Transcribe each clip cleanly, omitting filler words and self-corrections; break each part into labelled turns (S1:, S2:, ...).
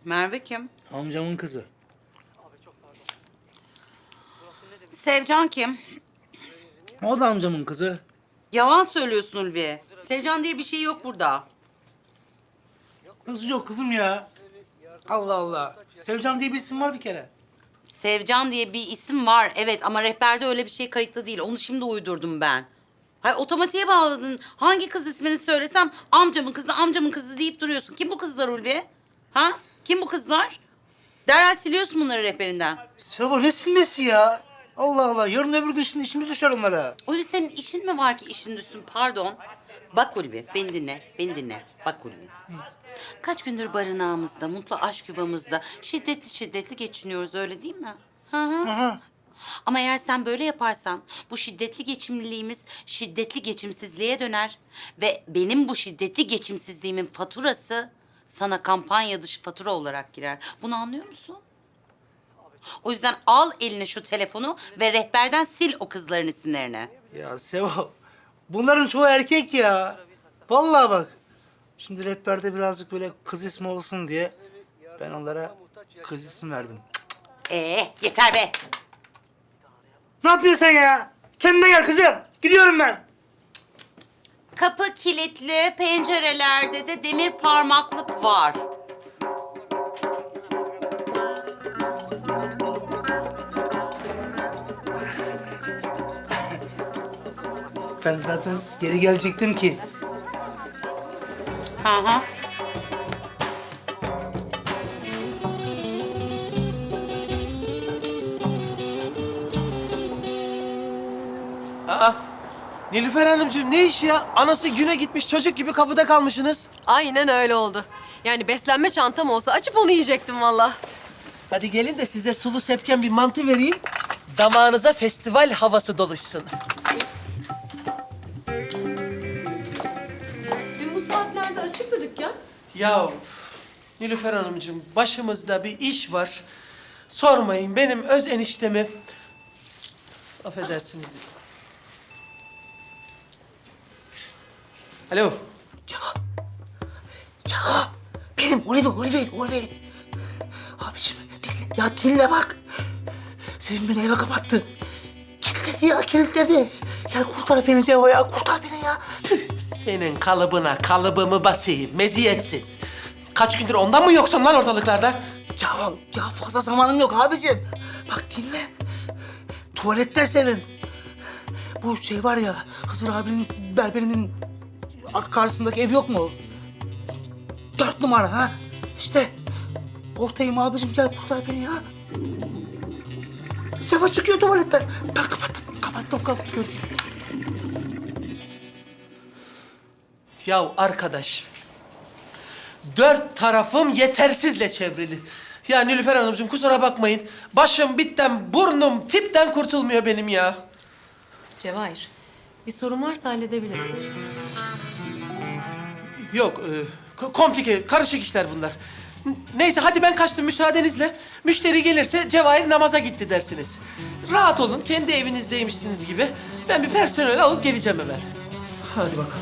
S1: Merve kim?
S2: Amcamın kızı.
S1: Sevcan kim?
S2: O da amcamın kızı.
S1: Yalan söylüyorsun Ulvi. Sevcan diye bir şey yok burada.
S2: Nasıl yok kızım ya? Allah Allah. Sevcan diye bir isim var bir kere.
S1: Sevcan diye bir isim var evet ama rehberde öyle bir şey kayıtlı değil. Onu şimdi uydurdum ben. Hayır otomatiğe bağladın. Hangi kız ismini söylesem amcamın kızı deyip duruyorsun. Kim bu kızlar Ulvi? Ha? Kim bu kızlar? Derhal siliyorsun bunları rehberinden.
S2: Sevo ne silmesi ya? Allah Allah. Yarın öbür gün şimdi işimiz düşer onlara.
S1: Ulvi senin işin mi var ki işin düşsün pardon. Bak Ulvi beni dinle. Bak Ulvi. Kaç gündür barınağımızda, mutlu aşk yuvamızda şiddetli geçiniyoruz öyle değil mi? Hı hı.
S2: Aha.
S1: Ama eğer sen böyle yaparsan bu şiddetli geçimliliğimiz şiddetli geçimsizliğe döner. Ve benim bu şiddetli geçimsizliğimin faturası sana kampanya dışı fatura olarak girer. Bunu anlıyor musun? O yüzden al eline şu telefonu ve rehberden sil o kızların isimlerini.
S2: Ya Sevo, bunların çoğu erkek ya. Vallahi bak. Şimdi rehberde birazcık böyle kız ismi olsun diye ben onlara kız isim verdim.
S1: Yeter be.
S2: Ne yapıyorsun sen ya? Kendine gel kızım. Gidiyorum ben.
S1: Kapı kilitli, pencerelerde de demir parmaklık var.
S2: Ben zaten geri gelecektim ki.
S1: Hı hı.
S3: Aa, Nilüfer Hanımcığım ne iş ya? Anası güne gitmiş çocuk gibi kapıda kalmışsınız.
S4: Aynen öyle oldu. Yani beslenme çantam olsa açıp onu yiyecektim valla.
S3: Hadi gelin de size sulu sepken bir mantı vereyim. Damağınıza festival havası doluşsun.
S4: Dün bu saatlerde açıktı dükkan.
S3: Ya Nilüfer Hanımcığım başımızda bir iş var. Sormayın benim öz eniştemi... Affedersiniz. Alo.
S2: Ya benim Oliver. Abiciğim dinle bak. Sevim beni eve kapattı. Kilitledi. Gel kurtar beni Sevo ya, kurtar beni ya.
S3: Senin kalıbına kalıbımı basayım meziyetsiz. Kaç gündür ondan mı yoksun lan ortalıklarda?
S2: Ya fazla zamanım yok abicim. Bak dinle. Tuvalette senin. Bu şey var ya, Hızır abinin berberinin karşısındaki ev yok mu? 4 numara ha? İşte oradayım abicim, gel kurtar beni ya. Sefa çıkıyor tuvaletten. Ben kapattım. Görüşürüz.
S3: Ya arkadaş, 4 tarafım yetersizle çevrili. Ya Nilüfer Hanımcığım kusura bakmayın. Başım bitten, burnum tipten kurtulmuyor benim ya.
S4: Cevahir, bir sorun varsa halledebilirim.
S3: Yok, komplike, karışık işler bunlar. Neyse hadi ben kaçtım müsaadenizle. Müşteri gelirse Cevahir namaza gitti dersiniz. Rahat olun, kendi evinizdeymişsiniz gibi. Ben bir personel alıp geleceğim hemen. Hadi bakalım.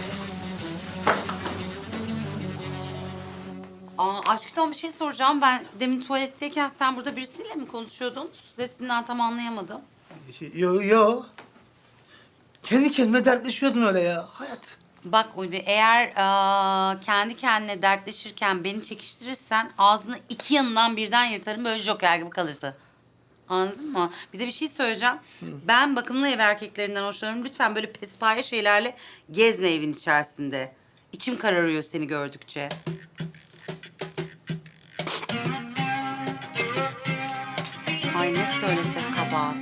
S1: Aşkım bir şey soracağım. Ben demin tuvaletteyken sen burada birisiyle mi konuşuyordun? Sesinden tam anlayamadım.
S2: Yo. Kendi kendime dertleşiyordum öyle ya. Hayat.
S1: Bak Ulvi, eğer kendi kendine dertleşirken beni çekiştirirsen ağzını iki yanından birden yırtarım böyle joker gibi kalırsın. Anladın mı? Bir de bir şey söyleyeceğim. Ben bakımlı ev erkeklerinden hoşlanıyorum. Lütfen böyle pespaye şeylerle gezme evin içerisinde. İçim kararıyor seni gördükçe. Ay ne söylesek kabahat.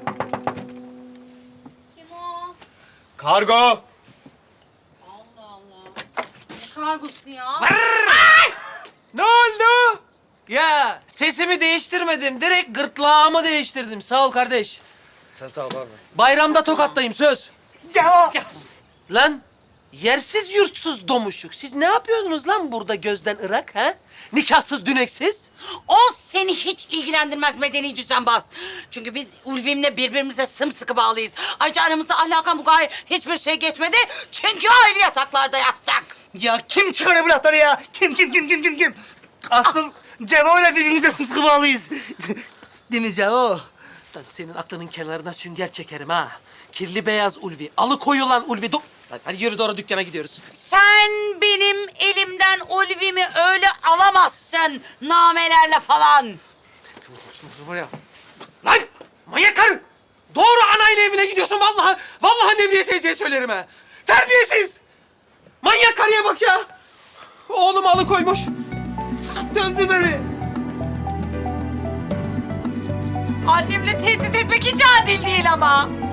S5: Kargo!
S1: Allah Allah. Ne kargosu ya?
S3: Ne oldu? Ya sesimi değiştirmedim. Direkt gırtlağımı değiştirdim. Sağ ol kardeş.
S5: Sen sağ ol abi.
S3: Bayramda Tokat'tayım söz.
S2: Ya.
S3: Lan yersiz yurtsuz domuşuk. Siz ne yapıyordunuz lan burada gözden ırak ha? Nikahsız düneksiz.
S1: O seni hiç ilgilendirmez medeni düzenbaz. Çünkü biz Ulvim'le birbirimize sımsıkı bağlıyız. Ayrıca aramızda ahlaka mugayir hiçbir şey geçmedi. Çünkü ayrı yataklarda yattık.
S2: Ya kim çıkarıyor bu lafları ya? Kim? Asıl Cevo'yla birbirimize sımsıkı bağlıyız. Değil mi Cevo?
S3: Lan senin aklının kenarına sünger çekerim ha. Kirli beyaz Ulvi, alıkoyulan Ulvi. Lan hadi yürü doğru dükkana gidiyoruz.
S1: Sen benim elimden Olivimi öyle alamazsın namelerle falan.
S3: Var ya. Lan manyak karı! Doğru anayla evine gidiyorsun vallahi. Vallahi Nevriye teyzeye söylerim ha. Terbiyesiz! Manyak karıya bak ya. Oğlumu alıkoymuş. Döndü beni.
S1: Annemle tehdit etmek hiç adil değil ama.